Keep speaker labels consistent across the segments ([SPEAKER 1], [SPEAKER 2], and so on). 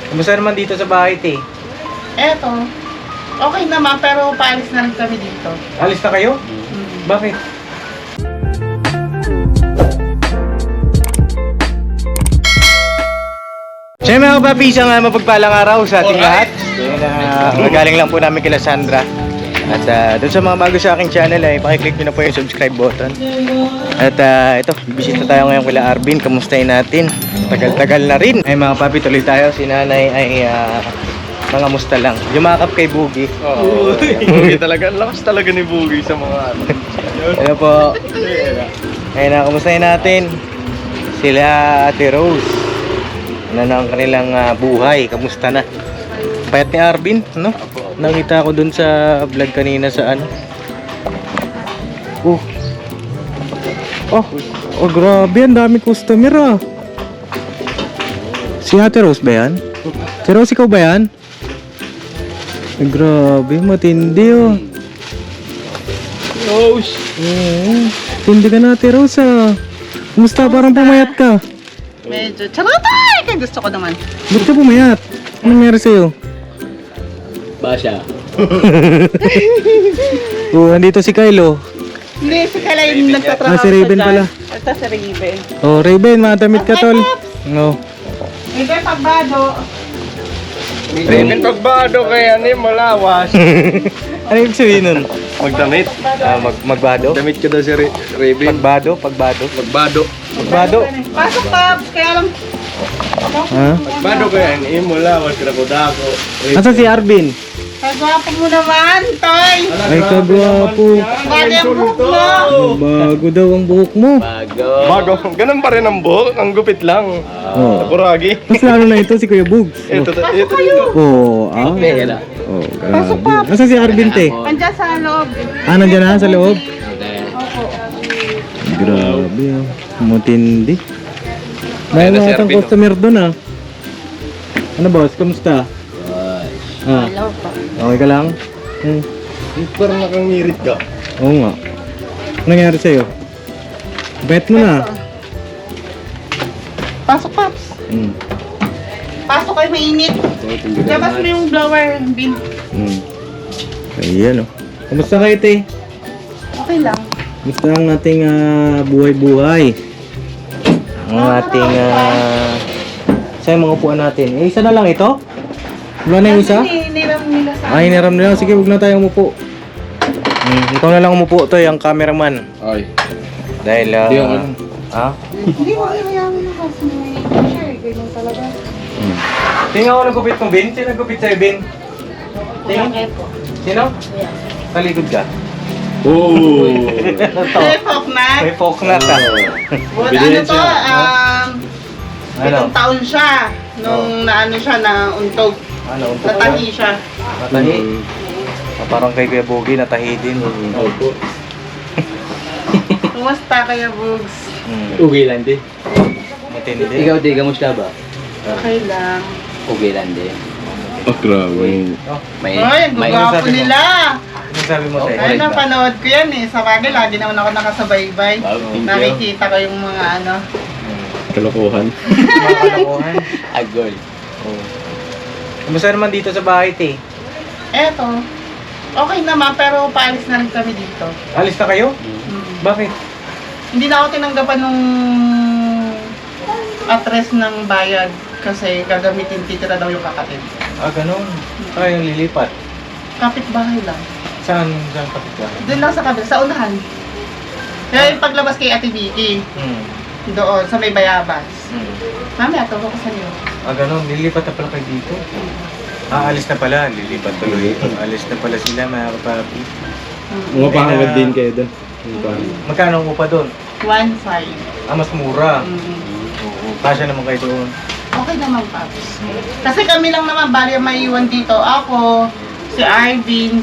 [SPEAKER 1] Kumusta naman dito sa bahay, te?
[SPEAKER 2] Eto, okay naman pero paalis na rin kami dito.
[SPEAKER 1] Alis na kayo? Bakit? Siyempre mga papi, isang mapagpalang araw sa ating lahat. Magaling lang po namin kila Sandra. At doon sa mga bago sa aking channel ay pakiclick nyo na po yung subscribe button. At ito, bisita tayo ngayon kila Arvin. Kamustahin natin? Tagal-tagal na rin. Ay mga papi, tuloy tayo. Si nanay ay mga musta lang. Yumakap kay Boogie.
[SPEAKER 3] Oo. Boogie talaga. Lakas talaga ni Boogie sa mga ano.
[SPEAKER 1] Ano po? Ayun na, kamustahin natin? Sila Ate Rose. Ano na ang kanilang buhay? Kamusta na? Payat ni Arvin, no? Nakita ko dun sa vlog kanina sa ano. Oh, grabe, ang dami customer ah. Si Ate Rose ba yan? Si Rose, ikaw ba yan? Grabe, matindi oh.
[SPEAKER 3] Rose!
[SPEAKER 1] Tindi ka na, Ate Rose ah. Kumusta? Parang pumayat ka.
[SPEAKER 2] Medyo charotay! Kaya gusto ko naman.
[SPEAKER 1] Ba't ka pumayat? Anong meron sa'yo?
[SPEAKER 3] Basya.
[SPEAKER 1] Andito si Kylo.
[SPEAKER 2] Hindi, si Kala yung nagtatrabaho
[SPEAKER 1] Si Raven pala.
[SPEAKER 2] Ito si Raven.
[SPEAKER 1] Oh, Raven, madamit ka tol. No.
[SPEAKER 2] Ito yung pagbado.
[SPEAKER 3] Raven pagbado kaya ni malawas.
[SPEAKER 1] Ano ibig sabihin nun?
[SPEAKER 3] Magdamit.
[SPEAKER 1] Magbado?
[SPEAKER 3] Damit ka daw si Raven.
[SPEAKER 1] Pagbado?
[SPEAKER 3] Magbado.
[SPEAKER 1] Magbado?
[SPEAKER 2] Pasok Pops! Kaya lang...
[SPEAKER 1] Ha?
[SPEAKER 3] Magbado kaya ni malawas. Dako.
[SPEAKER 1] Nasaan si Arvin?
[SPEAKER 2] Kagwapo mo naman, Toy!
[SPEAKER 1] Ay, kagwapo.
[SPEAKER 2] Bali ang buhok mo!
[SPEAKER 1] Bago daw ang buhok mo.
[SPEAKER 3] Bago. Ganun pa rin ang buhok. Ang gupit lang.
[SPEAKER 1] Oh.
[SPEAKER 3] Kuragi.
[SPEAKER 1] Mas lalo na ito si Kuya Bugs.
[SPEAKER 3] Ito.
[SPEAKER 1] Oh, oh grabe. Nasaan si Arvin, te?
[SPEAKER 2] Andiyan sa loob.
[SPEAKER 1] Nandiyan na sa loob?
[SPEAKER 2] Opo.
[SPEAKER 1] Grabe ah. Matindi. May
[SPEAKER 3] Ayan na si
[SPEAKER 1] mga
[SPEAKER 3] Arvin, oh.
[SPEAKER 1] customer doon ah. Ano boss, kamusta?
[SPEAKER 2] Hello po.
[SPEAKER 1] Okay ka lang?
[SPEAKER 3] Parang nakangirit ka.
[SPEAKER 1] Oo nga. Ano nangyari sa'yo? Bet mo na.
[SPEAKER 2] Pasok Pops! Pasok kayo, mainit. Labas mo yung blower, bin.
[SPEAKER 1] Ayan oh. Kamusta kayo, te?
[SPEAKER 2] Okay lang.
[SPEAKER 1] Kamusta ang ating buhay-buhay? Ang ating sa mga upuan natin. Isa na lang ito? Wala na yung isa?
[SPEAKER 2] Niram nila sa...
[SPEAKER 1] Ay, niram nila. Sige, huwag na tayo umupo. Ikaw na lang umupo, to yung cameraman.
[SPEAKER 3] Ay.
[SPEAKER 1] Dahil,
[SPEAKER 3] Di ako.
[SPEAKER 1] ha?
[SPEAKER 2] Hindi mo inayamin na kasi may picture. Ganyan talaga.
[SPEAKER 1] Tingnan ko nagupit mong Bin. Sino nagupit sa'yo, Bin?
[SPEAKER 2] Tingnan po.
[SPEAKER 1] Sino? Talikod ka.
[SPEAKER 3] Oh.
[SPEAKER 2] May fork na.
[SPEAKER 1] May folk na ka.
[SPEAKER 2] Well, ano to, pitong
[SPEAKER 1] Ano?
[SPEAKER 2] taon siya. Nung naano siya, nauntog.
[SPEAKER 1] Ano?
[SPEAKER 2] Natahi siya.
[SPEAKER 1] Natahi. Parang kay Kuya Boogie, natahi din.
[SPEAKER 3] Opo.
[SPEAKER 2] Kumusta kaya, Bugs?
[SPEAKER 4] Okay lang din.
[SPEAKER 1] Matindi.
[SPEAKER 4] Ikaw di, kamusta ba?
[SPEAKER 2] Okay lang.
[SPEAKER 4] Okay lang din.
[SPEAKER 3] Oh, grabe.
[SPEAKER 4] May,
[SPEAKER 2] Ay, ang
[SPEAKER 4] may,
[SPEAKER 2] gwapo
[SPEAKER 1] sabi mo?
[SPEAKER 2] nila.
[SPEAKER 1] Ano sabi mo, te?
[SPEAKER 2] Ay, napanood ko yan eh. Sa bagay, lagi naman ako nakasabaybay.
[SPEAKER 3] Thank you.
[SPEAKER 2] Nakikita ko yung mga ano.
[SPEAKER 3] Kalokohan.
[SPEAKER 1] Mga kalokohan.
[SPEAKER 4] agol.
[SPEAKER 1] Kumusta naman dito sa bahay, te?
[SPEAKER 2] Eto, okay naman pero paalis na rin kami dito.
[SPEAKER 1] Alis na kayo? Bakit?
[SPEAKER 2] Hindi na ako tinanggapan nung address ng bayad kasi gagamitin titira daw yung kakatid.
[SPEAKER 1] Ganun. Yung lilipat.
[SPEAKER 2] Kapitbahay lang.
[SPEAKER 1] Saan kapit ka?
[SPEAKER 2] Doon lang sa kabila, sa unahan. Kaya yung paglabas kay Ate Vicky, doon sa may bayabas. Mami, ato ko sa niyo.
[SPEAKER 1] Ganun. Lilipat na pala kayo dito. Alis na pala. Lilipat tuloy. Alis na pala sila, mga kapapi.
[SPEAKER 3] Mga pangagad din kayo doon.
[SPEAKER 1] Magkano ang upa doon?
[SPEAKER 2] 1.5.
[SPEAKER 1] Mas mura.
[SPEAKER 2] Mm.
[SPEAKER 1] Oo. Kasya naman kayo doon.
[SPEAKER 2] Okay naman, Paps. Kasi kami lang naman, bali ang maiwan dito. Ako, si Arvin,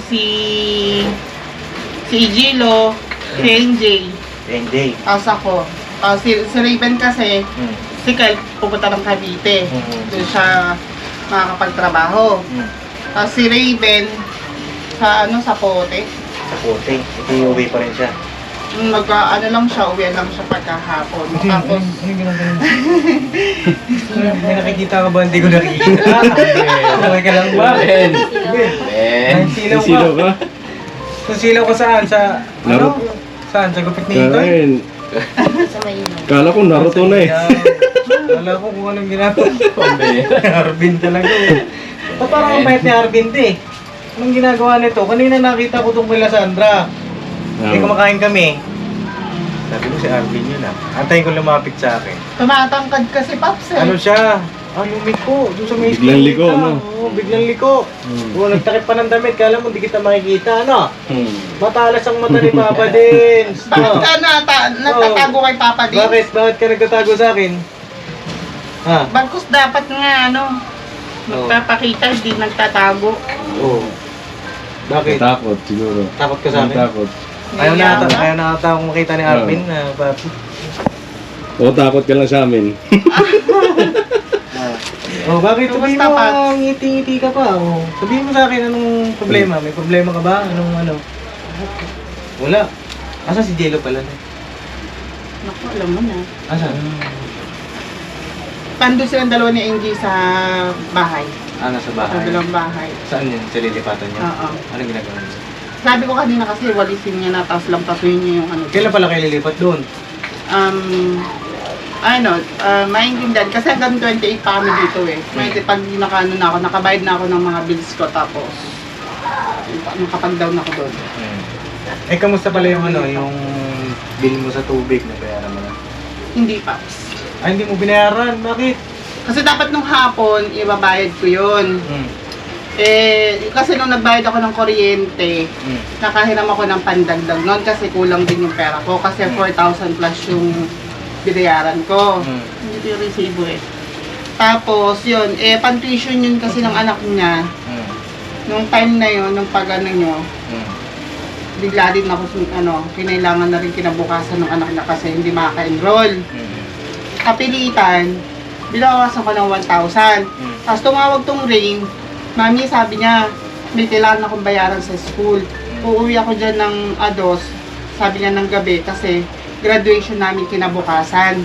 [SPEAKER 2] si Igilo, si NJ.
[SPEAKER 1] NJ.
[SPEAKER 2] Tapos ako. Si Raven kasi, si Kyle pupunta ng Cavite. Doon siya makakapagtrabaho. Tapos si Raven, sa Pote.
[SPEAKER 1] Sa puti. Ito uwi pa rin siya.
[SPEAKER 2] Ano lang siya, uwi lang siya pagkahapon. Tapos,
[SPEAKER 1] Ano yung ginagawa mo? May nakikita ka ba? Hindi ko nakikita. Okay ka lang ba?
[SPEAKER 4] Ben.
[SPEAKER 1] Ay, silaw ka. Kung silaw ka saan? Sa, ano? Saan? Sa gupit ni Itoy?
[SPEAKER 3] Kain.
[SPEAKER 5] Sa mainom.
[SPEAKER 3] Kala ko Naruto na eh.
[SPEAKER 1] Wala ko kung anong ginagawa.
[SPEAKER 4] Ben.
[SPEAKER 1] Arvin talaga eh. Ba't parang ang bait ni Arvin eh? Anong ginagawa nito? Kanina nakita ko itong kila Sandra. Hindi kumakain kami. Sabi ko si Arvin yun ah. Antayin ko lumapit sa akin.
[SPEAKER 2] tumatangkad kasi Paps eh.
[SPEAKER 1] Ano siya? Lumiko. Doon sa may
[SPEAKER 3] Biglang liko,
[SPEAKER 1] kita.
[SPEAKER 3] no?
[SPEAKER 1] Oo, biglang liko. Oo, nagtakip pa ng damit. Kala mo, di kita makikita, ano? Matalas ang mata ni Papa din.
[SPEAKER 2] Bakit ka natatago kay Papa din?
[SPEAKER 1] Bakit? Bakit ka nagtatago sa akin? Ha?
[SPEAKER 2] Bagkus dapat nga magpapakita, hindi nagtatago.
[SPEAKER 1] Oo. Bakit?
[SPEAKER 3] Takot siguro.
[SPEAKER 1] Takot ka sa akin?
[SPEAKER 3] Takot.
[SPEAKER 1] Ayaw na ata
[SPEAKER 2] Ngayon,
[SPEAKER 1] akong makita ni Arvin na papi.
[SPEAKER 3] O takot ka lang sa amin.
[SPEAKER 1] Oh, bakit sabihin
[SPEAKER 2] Kumusta,
[SPEAKER 1] mo
[SPEAKER 2] Pat?
[SPEAKER 1] ngiti-ngiti ka pa? Oh. Sabihin mo sa akin anong problema? May problema ka ba? Anong ano? Wala. Asa si Jello pala?
[SPEAKER 2] Naku, alam mo na.
[SPEAKER 1] Asa?
[SPEAKER 2] Pando silang dalawa ni Angie sa bahay.
[SPEAKER 1] Nasa
[SPEAKER 2] Sa
[SPEAKER 1] bahay.
[SPEAKER 2] dalawang bahay.
[SPEAKER 1] Saan yun? Sa lilipatan niya?
[SPEAKER 2] Oo.
[SPEAKER 1] Anong ginagawa niya?
[SPEAKER 2] Sabi ko kanina kasi walisin niya na, tapos lang tasuyin niya yung ano.
[SPEAKER 1] Kailan pala kayo lilipat doon?
[SPEAKER 2] Maintindihan. Kasi hanggang 28 pa kami dito eh. Pag nakabayad na ako ng mga bills ko, tapos nakapag-down ako doon.
[SPEAKER 1] Eh, kamusta pala yung ano, yung bill mo sa tubig na bayaran mo na?
[SPEAKER 2] Hindi pa.
[SPEAKER 1] Ay, hindi mo binayaran. Bakit?
[SPEAKER 2] Kasi dapat nung hapon, ibabayad ko yun. Kasi nung nagbayad ako ng kuryente, nakahiram ako ng pandagdag noon kasi kulang din yung pera ko. Kasi 4,000 plus yung binayaran ko. Hindi ko yung resibo eh. Tapos yun, pan-tuition yun kasi ng anak niya. Nung time na yun, nung pag-ano nyo, bigla din ako, kinailangan na rin kinabukasan ng anak niya kasi hindi makaka-enroll. Kapilitan, binawasan ko ng 1,000. Tapos tumawag tong Rain, Mami, sabi niya, may kailangan akong bayaran sa school. Uuwi ako dyan ng ados, sabi niya ng gabi, kasi graduation namin kinabukasan.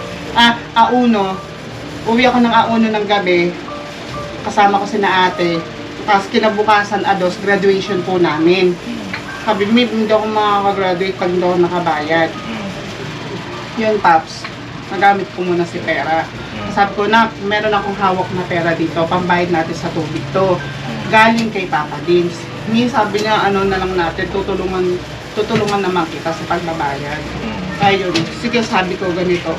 [SPEAKER 2] Auno, uwi ako ng Auno ng gabi, kasama ko si na ate, tapos kinabukasan ados, graduation po namin. Sabi, hindi ako makaka-graduate pag hindi ako nakabayad. Yun, Paps, nagamit ko muna si pera. Sabi ko na, meron akong hawak na pera dito, pambayad natin sa tubig to. Galing kay Papa Dins. Sabi niya, na lang natin, tutulungan naman kita sa pagbabayad. Kaya yun, sige sabi ko ganito,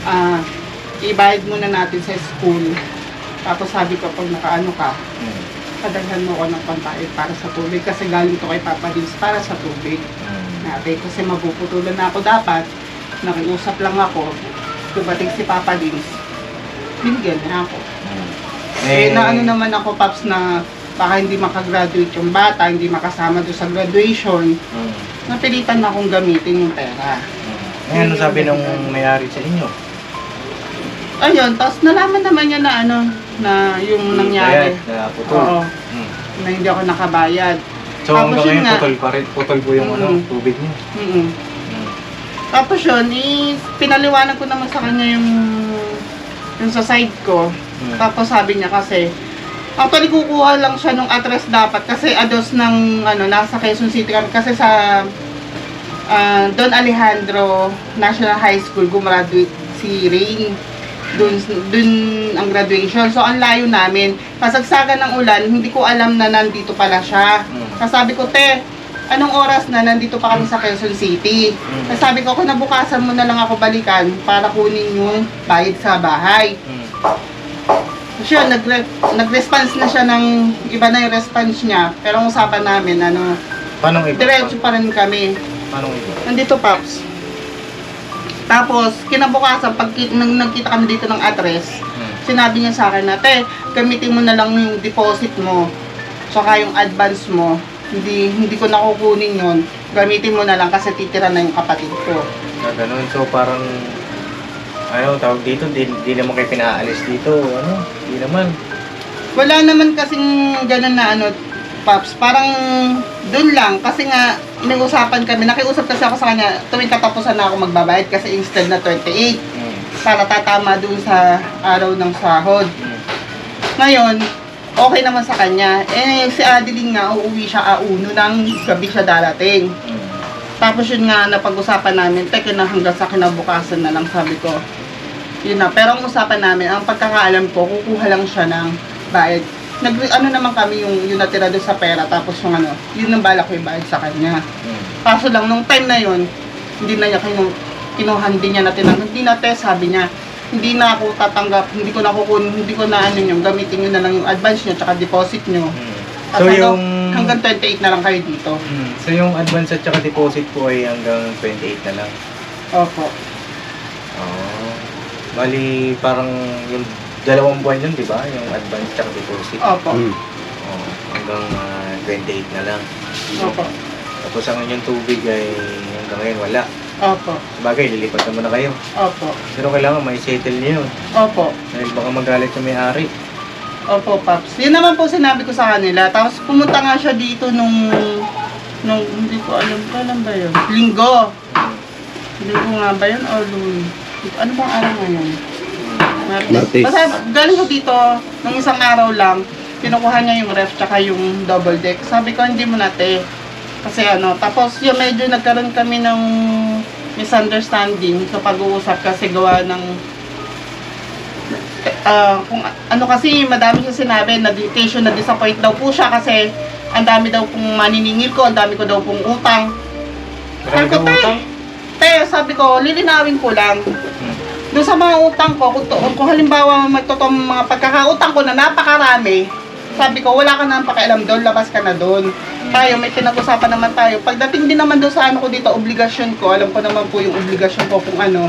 [SPEAKER 2] ibayad muna natin sa school. Tapos sabi ko, pag nakaano ka, padaghan mo ko ng pambayad para sa tubig kasi galing to kay Papa Dins para sa tubig. Natin, kasi mapuputulan na ako dapat, nakiusap lang ako, dumating si Papa Dins, binigyan na ako. Naano naman ako, Paps, na baka hindi makagraduate yung bata, hindi makasama doon sa graduation, napilitan na akong gamitin yung pera.
[SPEAKER 1] Ano sabi nung may-ari sa inyo?
[SPEAKER 2] Ayun, tapos nalaman naman niya na na yung nangyari.
[SPEAKER 1] Na putol.
[SPEAKER 2] Oo, na hindi ako nakabayad.
[SPEAKER 1] So hanggang
[SPEAKER 2] Tapos yun
[SPEAKER 1] ngayon
[SPEAKER 2] nga.
[SPEAKER 1] putol pa rin, putol po yung tubig niyo.
[SPEAKER 2] Tapos yun, pinaliwanag ko naman sa kanya yung sa side ko. Tapos sabi niya kasi, actually kukuha lang siya nung address dapat kasi ados ng nasa Quezon City kami kasi sa Don Alejandro National High School gumraduate si Rain. Dun ang graduation. So ang layo namin. Pasagsagan ng ulan, hindi ko alam na nandito pala siya. Sabi ko, te, anong oras na nandito pa kami sa Quezon City? Sabi ko, nabukasan mo na lang ako balikan para kunin yung bayad sa bahay. So yun, nag-response na siya ng iba na yung response niya. Pero ang usapan namin,
[SPEAKER 1] Paano iba?
[SPEAKER 2] diretso pa rin kami.
[SPEAKER 1] Paano iba?
[SPEAKER 2] Nandito, Paps. Tapos, kinabukasan, pag nagkita kami dito ng address, sinabi niya sa akin na, te, gamitin mo na lang yung deposit mo. Saka yung advance mo. Hindi ko nakukunin yun. Gamitin mo na lang kasi titira na yung kapatid ko.
[SPEAKER 1] Ganun. So parang tawag dito, di naman kayo pinaalis dito, di naman.
[SPEAKER 2] Wala naman kasing ganun na Paps, parang doon lang kasi nga nag-usapan kami, nakiusap kasi ako sa kanya, tuwing katapusan na ako magbabayad kasi instead na 28, para tatama dun sa araw ng sahod. Ngayon, okay naman sa kanya. Eh, si Adeline nga, uuwi siya auno ng gabi siya darating. Tapos yun nga, napag-usapan namin, teka na hanggang sa kinabukasan na lang, sabi ko. Yun na, pero ang usapan namin, ang pagkakaalam ko, kukuha lang siya ng bayad. Ano naman kami yung natira doon sa pera, tapos yung ano, yun ang balak ko yung bayad sa kanya. Kaso lang, nung time na yun, hindi na niya kinuhan din niya natin. Hindi na sabi niya, hindi na ako tatanggap, hindi ko na ano yung gamitin nyo na lang yung advance nyo, tsaka deposit nyo.
[SPEAKER 1] So
[SPEAKER 2] hanggang 28 na lang kayo dito.
[SPEAKER 1] So yung advance at saka deposit po ay hanggang 28 na lang.
[SPEAKER 2] Opo.
[SPEAKER 1] Oh. Bali parang yung 2 buwan yun, di ba? Yung advance at saka deposit.
[SPEAKER 2] Opo.
[SPEAKER 1] Oh, hanggang 28 na lang.
[SPEAKER 2] Opo.
[SPEAKER 1] Tapos ang inyong tubig ay hanggang ngayon wala.
[SPEAKER 2] Opo.
[SPEAKER 1] Sabagay, lilipat naman na kayo.
[SPEAKER 2] Opo.
[SPEAKER 1] Pero kailangan may settle niyo yun.
[SPEAKER 2] Opo.
[SPEAKER 1] Dahil baka magalit yung may-ari.
[SPEAKER 2] Opo, Paps. Yun naman po sinabi ko sa kanila. Tapos pumunta nga siya dito nung hindi ko alam, kailan ba yun? Linggo. Linggo nga ba yun? O Lunes? Ano bang araw ngayon?
[SPEAKER 4] Martes.
[SPEAKER 2] Basta galing ko dito, nung isang araw lang, kinukuha niya yung ref tsaka yung double deck. Sabi ko, hindi mo nate. Kasi ano, tapos yung medyo nagkaroon kami ng misunderstanding sa pag-uusap kasi gawa ng kung ano kasi madami siya sinabi na dedication, na disappoint daw po siya kasi ang dami daw pong maniningil ko, ang dami ko daw pong utang. Sabi ko, sabi ko, lilinawin ko lang. Doon sa mga utang ko, kung halimbawa magtotoo mga pagkakautang ko na napakarami, sabi ko, wala ka na pakialam doon, labas ka na doon. Tayo, may pinag-usapan naman tayo. Pagdating din naman doon sa ano ko dito, obligasyon ko, alam ko naman po yung obligasyon ko kung ano.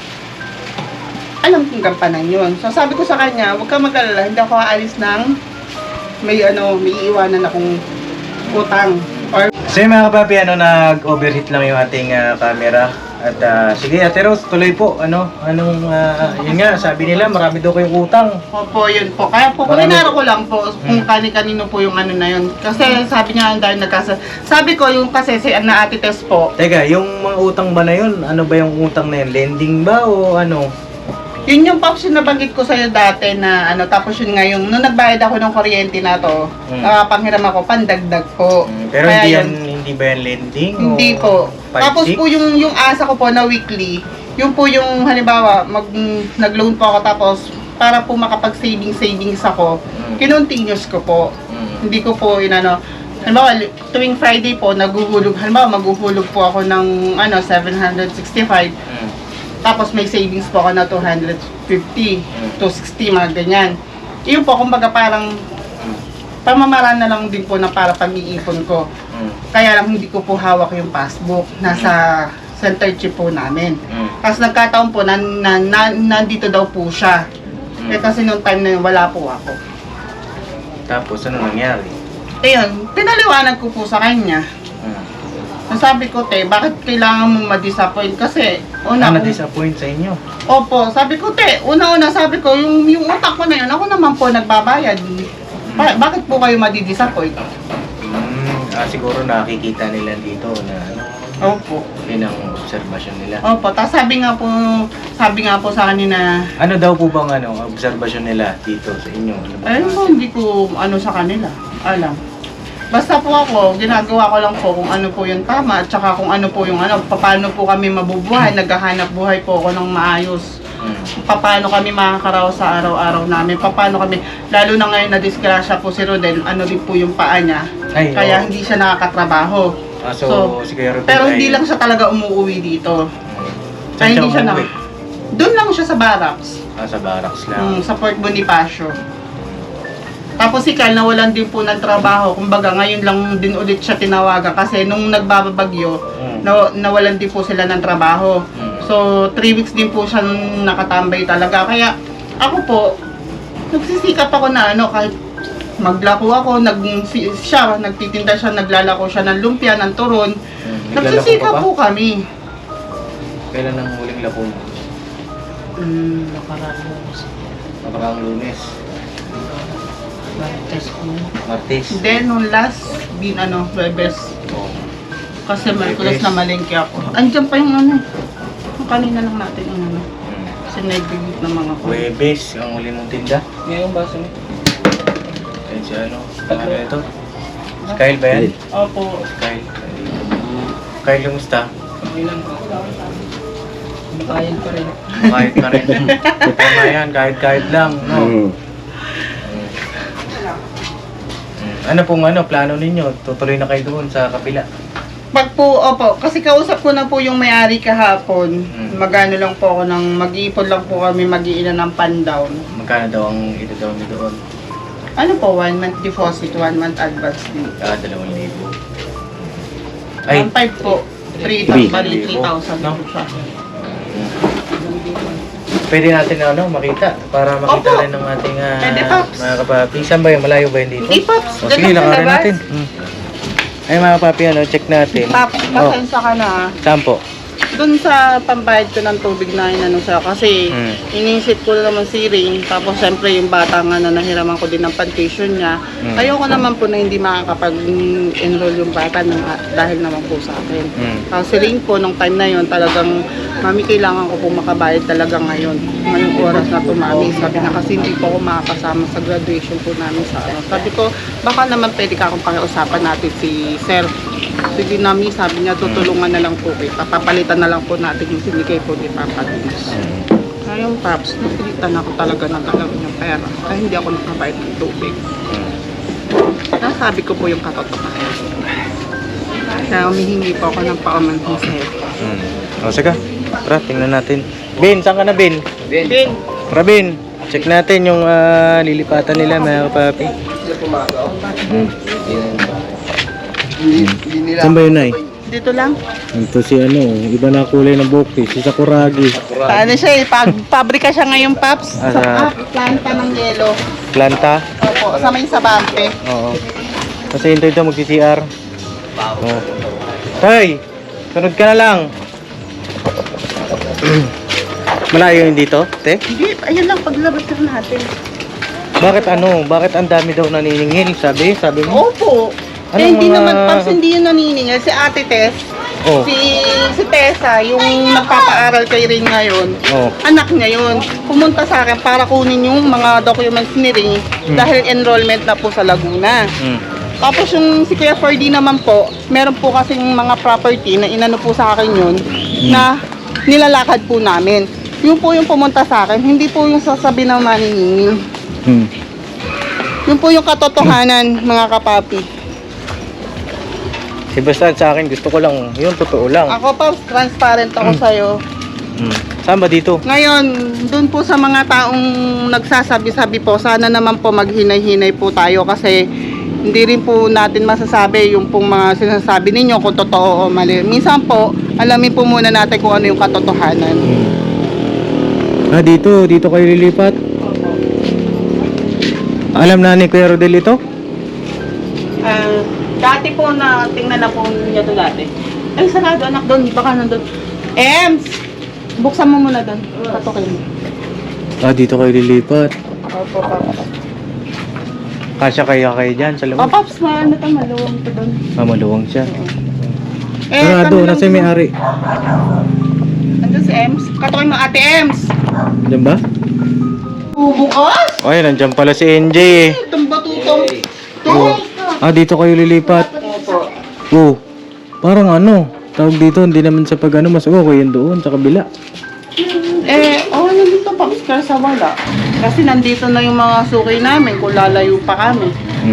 [SPEAKER 2] Alam kong gampanan yun. So sabi ko sa kanya, huwag kang mag-alala, hindi ako aalis ng may iiwanan akong utang. Or
[SPEAKER 1] So yung mga kapapi, nag-overheat lang yung ating camera. At sige, Ate Rose, tuloy po. Yun nga, sabi nila, marami daw kayong utang.
[SPEAKER 2] Opo, yun po. Kaya po, kuminaro ko lang po kung kani-kanino po yung ano na yun. Kasi sabi niya, dahil sabi ko, yung kasi si Ate Tess po,
[SPEAKER 1] Teka, yung mga utang ba na yun? Ano ba yung utang na yun? Lending ba o ano?
[SPEAKER 2] yun yung Pops yung nabanggit ko sa'yo dati na ano, tapos yun nga yung, nung nagbayad ako ng kuryente na to, panghiram ako, pandagdag po.
[SPEAKER 1] Pero
[SPEAKER 2] Kaya
[SPEAKER 1] hindi ba yan lending?
[SPEAKER 2] Hindi
[SPEAKER 1] o
[SPEAKER 2] po. Tapos po yung asa ko po na weekly, yung po yung halimbawa, nag-loan po ako tapos para po makapag-savings ako, kinontinuous ko po. Hindi ko po inano. Halimbawa, tuwing Friday po, maghuhulog po ako ng 765. Tapos may savings po ako na 250, 260, mga ganyan. Iyon po, kumbaga parang pamamaraan na lang din po na para pag-iipon ko. Kaya lang hindi ko po hawak yung passbook. Nasa center chip po namin. Tapos nagkataon po na nandito daw po siya. Eh kasi nung time na yun, wala po ako.
[SPEAKER 1] Tapos ano nangyari?
[SPEAKER 2] Ayun, pinaliwanag ko po sa kanya. Sabi ko, bakit kailangan mong ma-disappoint? Kasi,
[SPEAKER 1] na-disappoint sa inyo?
[SPEAKER 2] Opo, sabi ko, una-una sabi ko, yung utak ko na yun, ako naman po nagbabayad. Bakit po kayo madi-disappoint?
[SPEAKER 1] Siguro nakikita nila dito na
[SPEAKER 2] Opo.
[SPEAKER 1] yun ang obserbasyon nila.
[SPEAKER 2] Opo, tapos sabi nga po sa kanina,
[SPEAKER 1] Ano daw po bang obserbasyon nila dito sa inyo?
[SPEAKER 2] ayun po, hindi ko sa kanila, alam. Basta po ako, ginagawa ko lang po kung ano po yung tama at saka kung ano po yung paano po kami mabubuhay, naghahanap buhay po ako ng maayos. Paano kami makakaraos sa araw-araw namin, paano kami, lalo na ngayon na disgrasya po si Rodel, din po yung paa niya, kaya hindi siya nakakatrabaho.
[SPEAKER 1] So, si Kuya Rodel
[SPEAKER 2] pero hindi lang siya talaga umuwi dito.
[SPEAKER 1] Saan siya
[SPEAKER 2] hindi siya
[SPEAKER 1] umuwi?
[SPEAKER 2] Doon lang siya sa barracks.
[SPEAKER 1] Sa barracks lang.
[SPEAKER 2] Sa Port Bonifacio. Tapos si Kyle nawalan din po ng trabaho. Kumbaga ngayon lang din ulit siya tinawagan kasi nung nagbabagyo, nawalan din po sila ng trabaho. So 3 weeks din po siya nakatambay talaga. Kaya ako po, nagsisikap ako na kahit maglako ako, nagtitinda siya, naglalako siya ng lumpia, ng turon. Nagsisikap po kami.
[SPEAKER 1] Kailan ang huling lako mo? Nakarang Lunes.
[SPEAKER 5] Martes po.
[SPEAKER 1] Martes.
[SPEAKER 2] Then, nung last, Webes. Kasi Merkulas na malengke ako. Andiyan pa yung ano. Yung kanina lang natin yung ano. Kasi nagbibig ng mga ko.
[SPEAKER 1] Huwebes, ang uli mong tinda.
[SPEAKER 3] Ngayong baso mo.
[SPEAKER 1] Ayun si ano. Ano ito? Kyle ba yan?
[SPEAKER 2] Opo.
[SPEAKER 1] Kyle. Kyle, kumusta?
[SPEAKER 3] Okay lang po. Makain pa rin.
[SPEAKER 1] Kahit ka rin. Tama yan, kahit lang. No?
[SPEAKER 4] Mm.
[SPEAKER 1] Ano pong plano ninyo? Tutuloy na kayo doon sa kapila.
[SPEAKER 2] Pag po, opo, kasi kausap ko na po yung may-ari kahapon. Magano lang po ako mag-iipon lang po kami, mag-iilan ng pan-down.
[SPEAKER 1] Magkano daw ang ito daw nyo doon?
[SPEAKER 2] Ano po, 1 month deposit, 1 month advance din.
[SPEAKER 1] 2,000. Ay,
[SPEAKER 2] 1.5 po. 3,000, bali 3,000
[SPEAKER 1] No?
[SPEAKER 2] po siya.
[SPEAKER 1] pwede natin makita para makita
[SPEAKER 2] Opo.
[SPEAKER 1] rin ng ating
[SPEAKER 2] Pwede, Pops.
[SPEAKER 1] mga kapapi. Saan ba yun? Malayo ba yun dito?
[SPEAKER 2] Hindi, Pops.
[SPEAKER 1] O,
[SPEAKER 2] Dyan
[SPEAKER 1] sige,
[SPEAKER 2] lang sa
[SPEAKER 1] lakarin
[SPEAKER 2] labas.
[SPEAKER 1] natin. Ay mga papi, check natin.
[SPEAKER 2] Paps, pasensya ka na.
[SPEAKER 1] Saan po?
[SPEAKER 2] Doon sa pambayad ko ng tubig na inano siya kasi iniisip ko na naman si Ring, tapos siyempre yung bata nga na nahiraman ko din ng pantuition niya. Ayoko naman po na hindi makakapag-enroll yung bata dahil naman po sa akin. Kasi Ring po nung time na yon talagang, mami kailangan ko po makabayad talaga ngayong oras na to mami. Sabi na kasi hindi po ako makakasama sa graduation po namin sa ano. Sabi ko baka naman pwede ka akong pakiusapan natin si Sir. Sige nami, sabi niya tutulungan na lang po kita. Papalitan na lang po natin yung sinigay po ni Papa Dins. Ngayon Paps, napilitan ako talaga ng galawin yung pera. Kaya hindi ako nakabayad ng tubig. Nasabi ko po yung katotohanan. Kaya humihingi po ako ng paumanhin sa'yo.
[SPEAKER 1] O sige, tara, tingnan natin. Bin, saan ka na Bin?
[SPEAKER 2] Ben,
[SPEAKER 1] Tara Bin, check natin yung lilipatan nila mga kapapi. Saan ba yun ay?
[SPEAKER 2] dito lang.
[SPEAKER 1] Ito si iba na kulay ng buhok si Sakuragi.
[SPEAKER 2] Ano siya eh, pabrika siya ngayon Paps.
[SPEAKER 1] Ah,
[SPEAKER 2] Sa planta ng yelo.
[SPEAKER 1] Planta?
[SPEAKER 2] Opo, sa may sabante.
[SPEAKER 1] Oo. Kasi hinto ito mag-CCR. Oo. Tay, sunod ka na lang. Malayo yun dito, te?
[SPEAKER 2] Hindi, ayun lang paglabas lang natin.
[SPEAKER 1] Bakit Bakit ang dami daw naniningil? Sabi mo?
[SPEAKER 2] Opo.
[SPEAKER 1] Anong
[SPEAKER 2] Hindi
[SPEAKER 1] mga-
[SPEAKER 2] naman Paps, hindi yun naniningil. Si Ate Tess,
[SPEAKER 1] Oh.
[SPEAKER 2] si Tessa, yung nagpapaaral kay Ring ngayon,
[SPEAKER 1] Oh.
[SPEAKER 2] anak niya yun. Pumunta sa akin para kunin yung mga documents ni Ring dahil enrollment na po sa Laguna. Tapos yung si Kuya Ferdy naman po, meron po kasing mga property na inano po sa akin yun na nilalakad po namin. Yun po yung pumunta sa akin, hindi po yung sasabi ng maniningil. Yun po yung katotohanan mga kapapi.
[SPEAKER 1] Si basta sa akin gusto ko lang, yun totoo lang.
[SPEAKER 2] Ako pa, transparent ako sa'yo.
[SPEAKER 1] Saan ba dito?
[SPEAKER 2] Ngayon, dun po sa mga taong nagsasabi-sabi po, sana naman po maghinay-hinay po tayo kasi hindi rin po natin masasabi yung pong mga sinasabi ninyo kung totoo o mali. Minsan po, alamin po muna natin kung ano yung katotohanan.
[SPEAKER 1] Dito kayo lilipat? Alam na ni Kuya Rodel ito?
[SPEAKER 2] Dati po na, tingnan na po niya to dati. Ay, sarado anak doon, baka nandun. Ems! Buksan mo muna doon. Patukin mo.
[SPEAKER 1] Dito kayo lilipat.
[SPEAKER 2] Opo, Paps.
[SPEAKER 1] Kasya kayo dyan sa
[SPEAKER 2] O,
[SPEAKER 1] loob.
[SPEAKER 2] Paps, maano to, maluwang to doon.
[SPEAKER 1] Maluwang siya.
[SPEAKER 2] kami lang
[SPEAKER 1] nasa
[SPEAKER 2] po-
[SPEAKER 1] may-ari.
[SPEAKER 2] Nandun si Ems. Katukin mo, Ate Ems!
[SPEAKER 1] Diyan ba?
[SPEAKER 2] Bubukas!
[SPEAKER 1] Ay, nandiyan pala si NJ eh.
[SPEAKER 2] Itong batutong.
[SPEAKER 1] Dito kayo lilipat.
[SPEAKER 2] Opo.
[SPEAKER 1] Parang tawag dito, hindi naman sa pag mas okay yun doon, sa kabila.
[SPEAKER 2] Nandito Paps, kasi wala. Kasi nandito na yung mga sukay namin kung lalayo pa kami.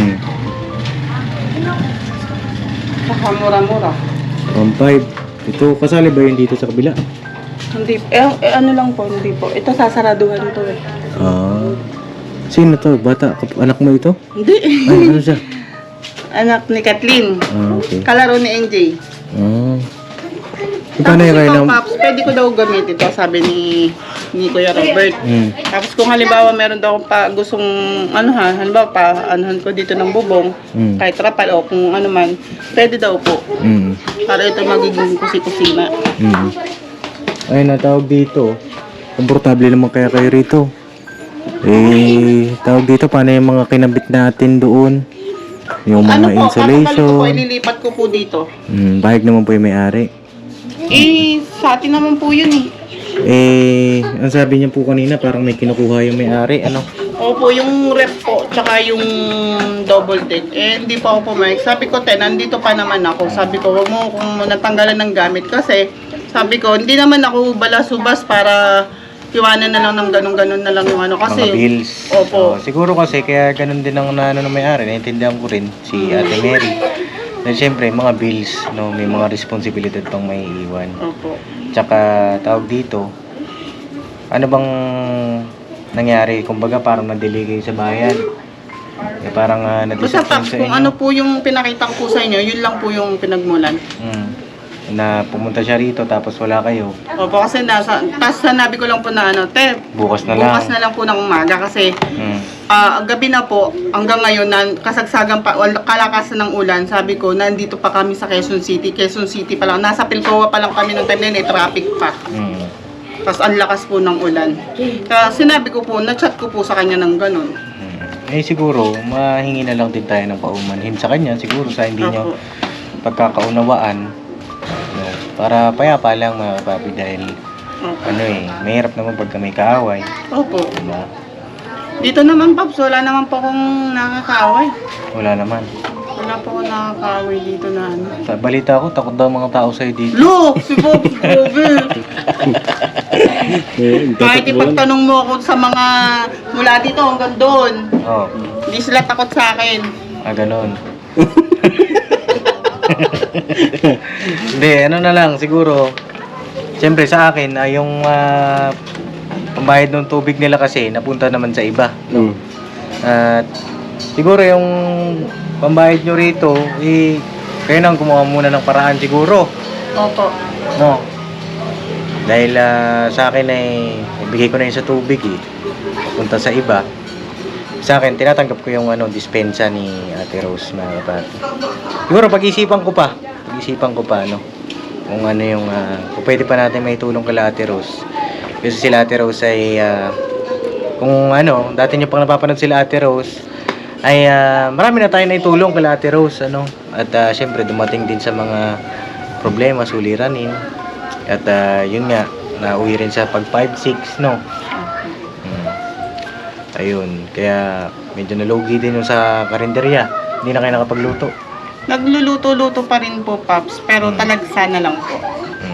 [SPEAKER 2] Saka mura-mura.
[SPEAKER 1] 1.5. Ito, kasali ba yun dito sa kabila?
[SPEAKER 2] Hindi, ano lang po, hindi po. Ito sasaraduhan to eh.
[SPEAKER 1] Sino to? Bata? Anak mo ito?
[SPEAKER 2] Hindi.
[SPEAKER 1] Ay, ano siya?
[SPEAKER 2] Anak ni Kathleen.
[SPEAKER 1] Okay.
[SPEAKER 2] Kalaro ni NJ.
[SPEAKER 1] Paano yung kayo
[SPEAKER 2] ikaw, Paps, pwede ko daw gamitin ito, sabi ni Kuya Robert. Tapos kung halimbawa meron daw akong gustong, halimbawa anuhan ko dito ng bubong, kahit trapal o kung ano man, pwede daw po. Para ito magiging kusi-kusina.
[SPEAKER 1] Ay, natawag dito. Komportable naman kaya kayo rito. Tawag dito, paano yung mga kinabit natin doon? Yung mga
[SPEAKER 2] Ano po, kakabalik ko po,
[SPEAKER 1] insulation.
[SPEAKER 2] ililipat ko po dito.
[SPEAKER 1] Bahag naman po yung may-ari.
[SPEAKER 2] Sa atin naman po yun eh.
[SPEAKER 1] Ang sabi niya po kanina, parang may kinukuha yung may-ari, ano?
[SPEAKER 2] Opo, yung rep po, tsaka yung double deck. Hindi pa ako pumayag. Sabi ko, nandito pa naman ako. Sabi ko, wag mo kung natanggalan ng gamit. Kasi, sabi ko, hindi naman ako balasubas para iwanan na lang ng ganun-ganun na lang yung ano. Kasi,
[SPEAKER 1] Mga bills.
[SPEAKER 2] Opo.
[SPEAKER 1] Siguro kasi, kaya ganun din ang ano ng may-ari. Naintindihan ko rin, si Ate Mary. Dahil siyempre, mga bills, no, may mga responsibilidad pang may iwan.
[SPEAKER 2] Opo.
[SPEAKER 1] Tsaka, tawag dito, ano bang nangyari? Kumbaga, parang na-delay kayo sa bayan. Parang
[SPEAKER 2] Basta
[SPEAKER 1] na-disappoint
[SPEAKER 2] Paps,
[SPEAKER 1] sa
[SPEAKER 2] kung
[SPEAKER 1] inyo.
[SPEAKER 2] ano po yung pinakita ko po sa inyo, yun lang po yung pinagmulan.
[SPEAKER 1] Na pumunta siya rito, tapos wala kayo.
[SPEAKER 2] Opo, kasi tapos sanabi ko lang po na ano,
[SPEAKER 1] Bukas na lang.
[SPEAKER 2] bukas na lang po ng umaga kasi gabi na po, hanggang ngayon, kasagsagan pa, kalakasan ng ulan, sabi ko, nandito pa kami sa Quezon City. Quezon City pa lang, nasa Pilcoa pa lang kami nung time na yun, traffic pa. Tapos ang lakas po ng ulan. Kaya sinabi ko po, na-chat ko po sa kanya ng ganun.
[SPEAKER 1] Siguro, mahingi na lang din tayo ng paumanhin sa kanya, siguro sa hindi nyo
[SPEAKER 2] Opo.
[SPEAKER 1] pagkakaunawaan. No, para payapa lang mga papi dahil
[SPEAKER 2] Opo.
[SPEAKER 1] mahirap naman pagka may kaaway.
[SPEAKER 2] Opo.
[SPEAKER 1] No?
[SPEAKER 2] Dito naman, Paps, wala naman po akong nakakaaway.
[SPEAKER 1] Wala naman.
[SPEAKER 2] Wala po akong nakakaaway dito na ano.
[SPEAKER 1] Sa balita ko, takot daw mga tao sa'yo dito.
[SPEAKER 2] Look! Si Pops, grabe! Kahit ipagtanong mo ako sa mga mula dito hanggang doon,
[SPEAKER 1] Oh,
[SPEAKER 2] hindi sila takot sa akin.
[SPEAKER 1] ganon. Hindi, ano na lang, siguro, siyempre sa akin, yung pambayad ng tubig nila kasi, napunta naman sa iba. At siguro yung pambayad nyo rito, kayo nang gumawa muna ng paraan siguro.
[SPEAKER 2] Opo.
[SPEAKER 1] No. Dahil sa akin ay ibigay ko na yun sa tubig punta sa iba. Sa akin, tinatanggap ko yung dispensa ni Ate Rose, mga kapatid. Siguro pag-isipan ko pa, no, kung ano yung, kung pwede pa natin may tulong kala Ate Rose. Kasi sila Ate Rose ay, kung dati nyo pang napapanood sila Ate Rose, ay marami na tayo na itulong kala Ate Rose, At syempre dumating din sa mga problema, suliranin. At yun nga, nauwi rin sa pag 5-6, no? Ayun, kaya medyo nalugi din yung sa karinderya. Hindi na kayo nakapagluto.
[SPEAKER 2] Nagluluto-luto pa rin po, Paps, pero talagsa na lang po.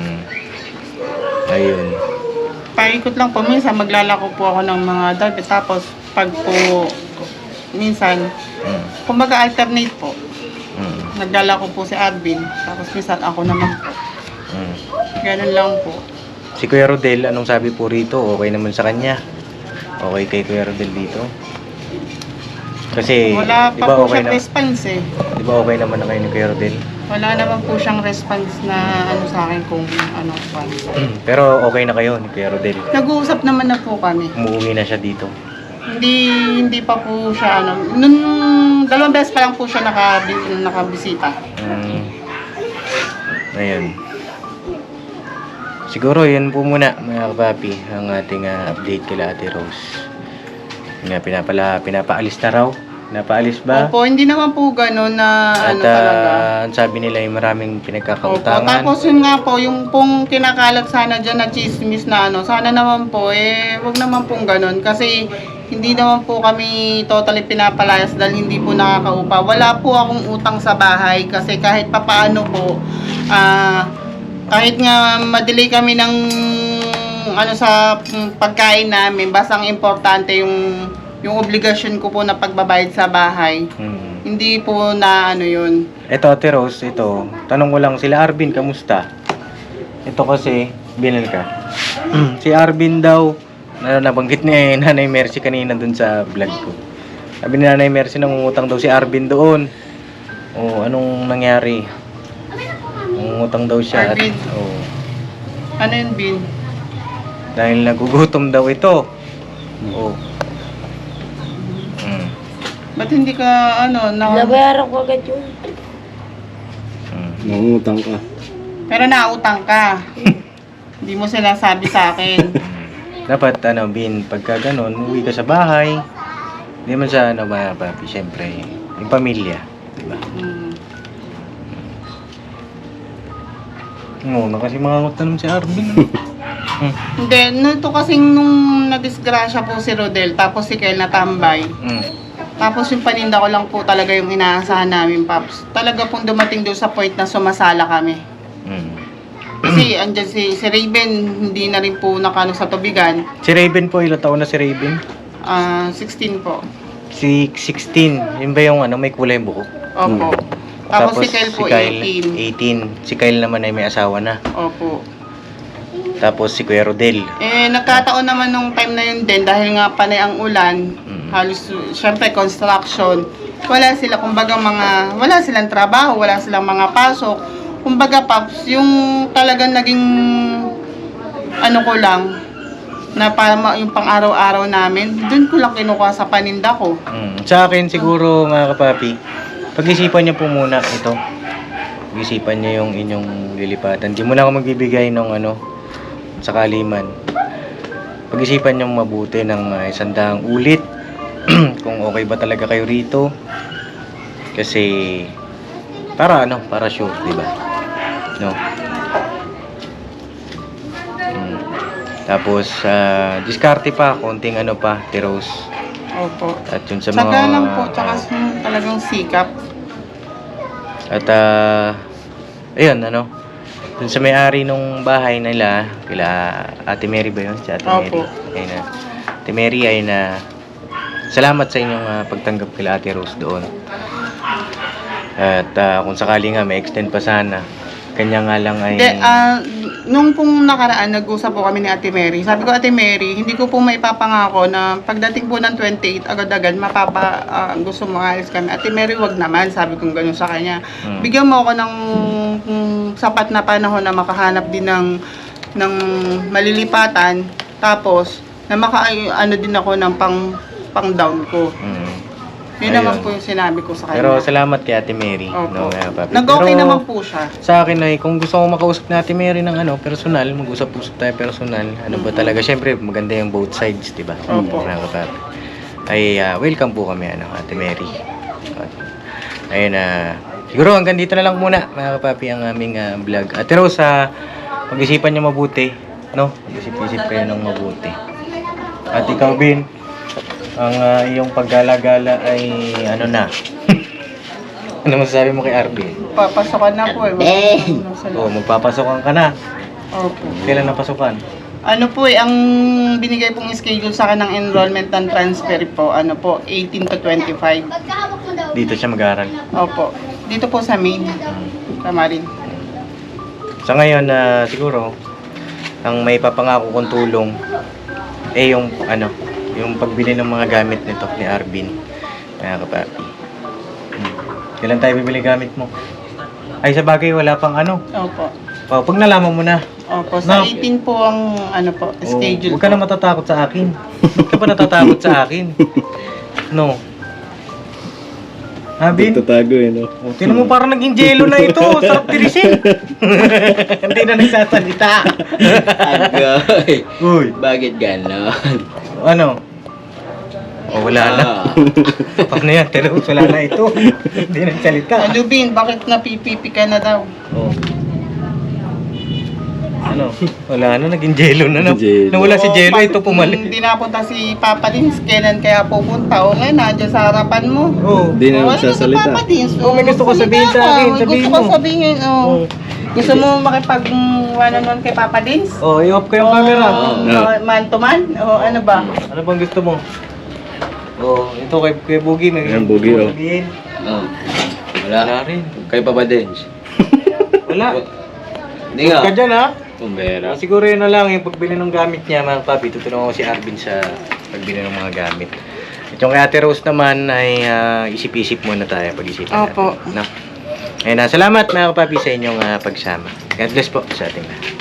[SPEAKER 1] Ayun.
[SPEAKER 2] Paikot lang po, minsan maglalako po ako ng mga dati, tapos pag po, minsan, kumbaga alternate po. Naglalako po si Arvin, tapos minsan ako naman po. Ganun lang po.
[SPEAKER 1] Si Kuya Rodel, anong sabi po rito? Okay naman sa kanya? Okay kay Kuya Rodel dito? Kasi,
[SPEAKER 2] Wala
[SPEAKER 1] di
[SPEAKER 2] pa
[SPEAKER 1] ba
[SPEAKER 2] po
[SPEAKER 1] okay
[SPEAKER 2] siyang
[SPEAKER 1] na?
[SPEAKER 2] response eh.
[SPEAKER 1] Di ba okay naman na kayo ni Kuya Rodel?
[SPEAKER 2] Wala naman po siyang response na sa akin kung ano pa.
[SPEAKER 1] Pero okay na kayo ni Kuya Rodel?
[SPEAKER 2] Nag-uusap naman na po kami.
[SPEAKER 1] Umuwi na siya dito.
[SPEAKER 2] Hindi pa po siya nung 2 beses pa lang po siya nakabisita.
[SPEAKER 1] Ayun. Siguro yun po muna mga kapapi ang ating update kila Ate Rose. Nga pinapaalis na raw. Napaalis ba?
[SPEAKER 2] Opo, hindi naman po gano'n na
[SPEAKER 1] At
[SPEAKER 2] talaga.
[SPEAKER 1] ang sabi nila ay maraming
[SPEAKER 2] Opo,
[SPEAKER 1] pinagkakautangan.
[SPEAKER 2] tapos yun nga po, yung pong kinakalat sana dyan na chismis na sana naman po, wag naman pong gano'n. Kasi hindi naman po kami totally pinapalayas dahil hindi po nakakaupa. Wala po akong utang sa bahay kasi kahit papaano po, kahit nga madelay kami ng sa pagkain namin, basta ang importante yung obligasyon ko po na pagbabayad sa bahay. Hindi po na yun.
[SPEAKER 1] Ito Ate Rose, ito. Tanong ko lang sila Arvin, kamusta? Ito kasi, binil ka. Si Arvin daw, nabanggit ni Nanay Mercy kanina dun sa vlog ko. Sabi ni Nanay Mercy, nangungutang daw si Arvin doon. O, anong nangyari? Nangungutang daw siya.
[SPEAKER 2] Arvin?
[SPEAKER 1] Oo.
[SPEAKER 2] Ano yun, Bin?
[SPEAKER 1] Dahil nagugutom daw ito. Oo.
[SPEAKER 2] Ba't hindi ka,
[SPEAKER 5] Nabayaran ko agad yun.
[SPEAKER 4] Nangungutang ka.
[SPEAKER 2] pero nautang ka. Hindi mo sinasabi sa akin.
[SPEAKER 1] Dapat, Bin, pagka ganun, uwi ka sa bahay. Hindi man sa, mga papi, syempre, yung pamilya. Diba?
[SPEAKER 2] Mm.
[SPEAKER 1] Kasi mangangot na naman si Arvin.
[SPEAKER 2] Hindi, nito kasing nung nadisgrasya po si Rodel, tapos si Kel natambay. Tapos yung paninda ko lang po talaga yung inaasahan namin, Paps. Talaga pong dumating doon sa point na sumasala kami. Kasi andyan si Raven, hindi na rin po nakano sa tubigan.
[SPEAKER 1] Si Raven po, ilang taon na si Raven?
[SPEAKER 2] 16 po.
[SPEAKER 1] Si 16. Yun ba yung ano, may kulay yung buhok?
[SPEAKER 2] Opo. Tapos si Kyle po, 18.
[SPEAKER 1] 18. Si Kyle naman ay may asawa na.
[SPEAKER 2] Opo.
[SPEAKER 1] Tapos si Kuya Rodel.
[SPEAKER 2] Nagkataon naman nung time na yun din, dahil nga panay ang ulan, halos, syempre, construction. Wala sila, kumbaga wala silang trabaho, wala silang mga pasok. Kumbaga, Paps, yung talagang naging, ano ko lang, na para yung pang-araw-araw namin, dun ko lang kinukuha sa paninda ko.
[SPEAKER 1] Sa akin siguro mga kapapi, pag-isipan niyo po muna ito. Pag-isipan niyo yung inyong lilipatan. Di mo na ako magbibigay ng ano, sakali man. Pag-isipan niyo mabuti ng 100 ulit kung okay ba talaga kayo rito. Kasi para ano, para sure, di ba? No. Tapos diskarte pa, konting ano pa, tiros.
[SPEAKER 2] Opo.
[SPEAKER 1] At yun sa mga
[SPEAKER 2] Saka lang po, tsaka talagang sikap.
[SPEAKER 1] At ayun ano, dun sa may-ari nung bahay nila, kila Ate Mary ba yun? Si Ate Mary.
[SPEAKER 2] Opo.
[SPEAKER 1] Ayun na. Ate Mary ay na salamat sa inyong pagtanggap kila Ate Rose doon. At kung sakali nga may extend pa sana, kanya nga lang ay
[SPEAKER 2] Nung pong nakaraan, nag-usap po kami ni Ate Mary. Sabi ko, Ate Mary, hindi ko po maipapangako na pagdating po ng 28, agad-agad, gusto mo alis kami. Ate Mary, wag naman. Sabi ko gano'n sa kanya. Bigyan mo ako ng sapat na panahon na makahanap din ng malilipatan. Tapos, na ano din ako ng pang-down ko. Yun naman po yung sinabi ko sa kanya.
[SPEAKER 1] Pero salamat kay Ate Mary.
[SPEAKER 2] Opo.
[SPEAKER 1] No, papi.
[SPEAKER 2] Nag-okay
[SPEAKER 1] Pero
[SPEAKER 2] naman po siya.
[SPEAKER 1] sa akin ay kung gusto ko makausap na Ate Mary ng ano, personal, mag-usap-usap tayo personal. Ano ba talaga? Syempre, maganda yung both sides, di ba?
[SPEAKER 2] Opo.
[SPEAKER 1] Mga kapapi. Ay welcome po kami Ate Mary. Ayun siguro hanggang dito na lang muna mga kapapi ang aming vlog. Ate Rose, pag-isipan niyo mabuti, no? Pag-isip-isip kayo ng mabuti. At ikaw, Bin, ang iyong paggala-gala ay ano na? Ano masasabi mo kay Arvin?
[SPEAKER 2] Papasokan na po eh.
[SPEAKER 1] Magpapasokan ka na.
[SPEAKER 2] Opo.
[SPEAKER 1] Kailan napasukan?
[SPEAKER 2] Ano po ang binigay pong schedule sa akin ng enrollment and transfer po, 18 to 25.
[SPEAKER 1] Dito siya mag-aaral.
[SPEAKER 2] Opo. Dito po sa main. Kamarin.
[SPEAKER 1] Sa ngayon, siguro, ang may papangako kong tulong, yung yung pagbili ng mga gamit nito ni Arvin. Mga kapapi. Kailan tayo bibili gamit mo? Ay, sa bagay, wala pang ano.
[SPEAKER 2] Opo.
[SPEAKER 1] Pag nalaman mo na.
[SPEAKER 2] Opo. Sa 18 po ang schedule.
[SPEAKER 1] Huwag ka na matatakot sa akin. Huwag ka pa natatakot sa akin. No. Bin?
[SPEAKER 4] Tatago no?
[SPEAKER 1] Tinan mo parang naging jello na ito. Sarap tirisin. Hindi na nagsasalita.
[SPEAKER 6] Agoy.
[SPEAKER 1] Uy.
[SPEAKER 6] Bakit ganon?
[SPEAKER 1] Ano? Wala na. Paano yan? Pero wala na ito. Hindi nagsalita.
[SPEAKER 2] Bin, bakit napipipi ka na daw?
[SPEAKER 1] Ano? Wala na, naging jello na.
[SPEAKER 4] Jello.
[SPEAKER 1] Nawala si jello, ito pumalit.
[SPEAKER 2] Hindi napunta si Papa Dins, kailan kaya pupunta? O ngayon, nandiyan sa harapan mo.
[SPEAKER 4] Hindi na magsasalita.
[SPEAKER 2] Papa Dins.
[SPEAKER 1] May gusto ko sabihin sa akin.
[SPEAKER 2] May
[SPEAKER 1] Sabihin
[SPEAKER 2] gusto ko
[SPEAKER 1] mo.
[SPEAKER 2] sabihin. Gusto mo makipag-one-on-one kay Papa Dins?
[SPEAKER 1] I-off ko yung camera.
[SPEAKER 2] Man to man? O ano ba?
[SPEAKER 1] Ano bang gusto mo? Ito kay Boogie. May
[SPEAKER 4] Ayan, Boogie,
[SPEAKER 1] gusto mo sabihin.
[SPEAKER 6] Wala.
[SPEAKER 1] rin.
[SPEAKER 6] Kay Papa Dench.
[SPEAKER 1] Wala.
[SPEAKER 6] Hindi
[SPEAKER 1] Huwag ka
[SPEAKER 6] nga.
[SPEAKER 1] dyan ha.
[SPEAKER 6] Kumbera.
[SPEAKER 1] Siguro yun na lang yung pagbili ng gamit niya mga papi. Tutulungan ko si Arvin sa pagbili ng mga gamit. At yung kay Ate Rose naman ay isip-isip muna tayo pag-isipan natin.
[SPEAKER 2] Opo.
[SPEAKER 1] No? Ayun, salamat mga papi sa inyong pagsama. God bless po sa ating lahat.